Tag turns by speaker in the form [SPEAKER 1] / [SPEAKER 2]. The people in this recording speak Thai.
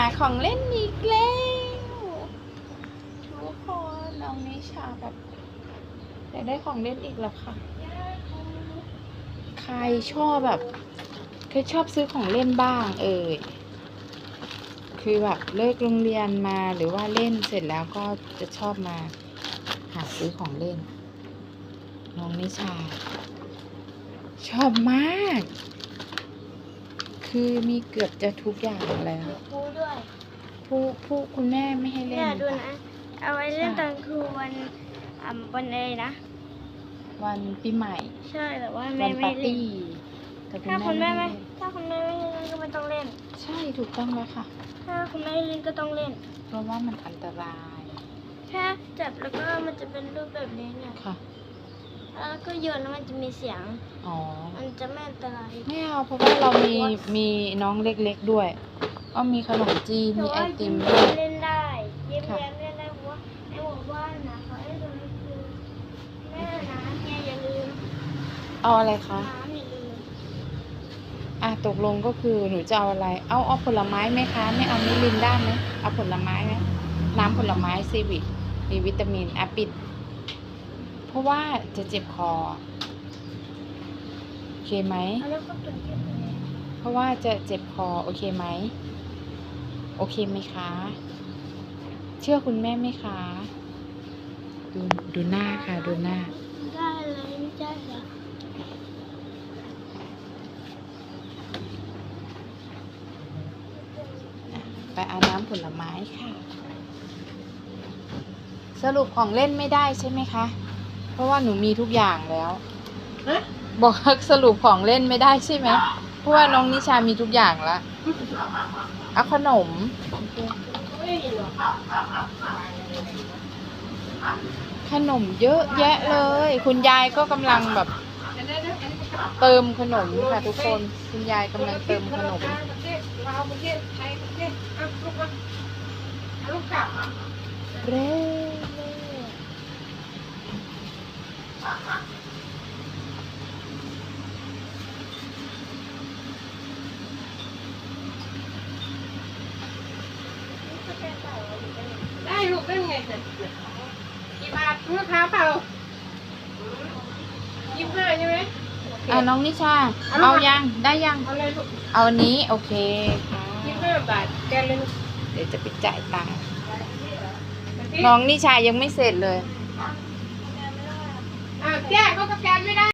[SPEAKER 1] ของเล่นอีกแล้วทุกคนน้องนิชาแบบอยากได้ของเล่นอีกแล้วค่ะใครชอบแบบเคยชอบซื้อของเล่นบ้างคือแบบเลิกโรงเรียนมาหรือว่าเล่นเสร็จแล้วก็จะชอบมาหาซื้อของเล่นน้องนิชาชอบมากคือมีเกือบจะทุกอย่างแล้ว
[SPEAKER 2] พูด้วย
[SPEAKER 1] ผู้คุณแม่ไม่ให้เล่น
[SPEAKER 2] เนี่ยดูนะเอาไว้เล่นตอนคือวันอะไรนะ
[SPEAKER 1] วันปีใหม่
[SPEAKER 2] ใช่แต่ว่าแม่
[SPEAKER 1] วัน
[SPEAKER 2] ไม่
[SPEAKER 1] ปาร์
[SPEAKER 2] เล่น
[SPEAKER 1] ตี้แต่คุณ
[SPEAKER 2] ถ้าคุณ
[SPEAKER 1] แม่
[SPEAKER 2] แม่
[SPEAKER 1] ไม่
[SPEAKER 2] ไม่
[SPEAKER 1] ให้เล่น
[SPEAKER 2] ถ้าคุณแม่ไม่เล่นก็ไม่ต้องเล่น
[SPEAKER 1] ใช่ถูกต้องแล้วค่ะ
[SPEAKER 2] ถ้าคุณแม่เล่นก็ต้องเล่น
[SPEAKER 1] เพราะว่ามันอันตราย
[SPEAKER 2] แค่จับแล้วก็มันจะเป็นรูปแบบนี้เนี่ย
[SPEAKER 1] ค่ะ
[SPEAKER 2] แล้วก็โยนแล้วมันจะมีเสียง
[SPEAKER 1] อ๋อ
[SPEAKER 2] มันจะไม่อันตราย
[SPEAKER 1] ไม่เอาเพราะว่าเรามีน้องเล็กๆด้วยก็มีขนมจีนมีไอติม
[SPEAKER 2] แต่
[SPEAKER 1] ด้ว
[SPEAKER 2] ว่าย เล่นได้ยิ้ม
[SPEAKER 1] ค่ะ
[SPEAKER 2] แย้มเล่นได้เพราะว่าในหมู่บ้านนะเขาให้ตรงนี้คือแม่นะเนี่ยอย่าลืม
[SPEAKER 1] เอาอะไรคะ
[SPEAKER 2] น้ำอย่าลืม
[SPEAKER 1] ตกลงก็คือหนูจะเอาอะไรเอาผลไม้ไหมคะไม่เอามิรินด้าไหมเอาผลไม้ไหมน้ำผลไม้ซีวิตมีวิตามินปิดเพราะว่าจะเจ็บคอโอเคไหม
[SPEAKER 2] แล้วก็ตัวเก็บไว้
[SPEAKER 1] เพราะว่าจะเจ็บคอโอเคไหมโอเคไหมคะ เชื่อคุณแม่ไหมคะดูหน้าค่ะดูหน้า
[SPEAKER 2] ได้เลยไม่ใช่เหรอ
[SPEAKER 1] ไปเอาน้ำผลไม้ค่ะ สรุปของเล่นไม่ได้ใช่ไหมคะเพราะว่าหนูมีทุกอย่างแล้วบอกสรุปของเล่นไม่ได้ใช่ไหมเพราะว่าน้องนิชามีทุกอย่างแล้วเอาขนมขนมเยอะแยะเลยคุณยายก็กำลังแบบเติมขนมค่ะทุกคนคุณยายกำลังเติมขนมเร่
[SPEAKER 3] ได้ลูกได้ไงกี่บาทลูกค้าเปล่า25ใช่ไหม
[SPEAKER 1] น้องนิชาเอายังได้ยัง
[SPEAKER 3] เอาเลยลูก
[SPEAKER 1] เอาอันนี้โอเคค่ะ
[SPEAKER 3] 25 บาทแกเลยลูก
[SPEAKER 1] เดี๋ยวจะไปจ่ายตังค์น้องนิชายังไม่เสร็จเลย
[SPEAKER 3] แจ้ก็สแกนไม่ได้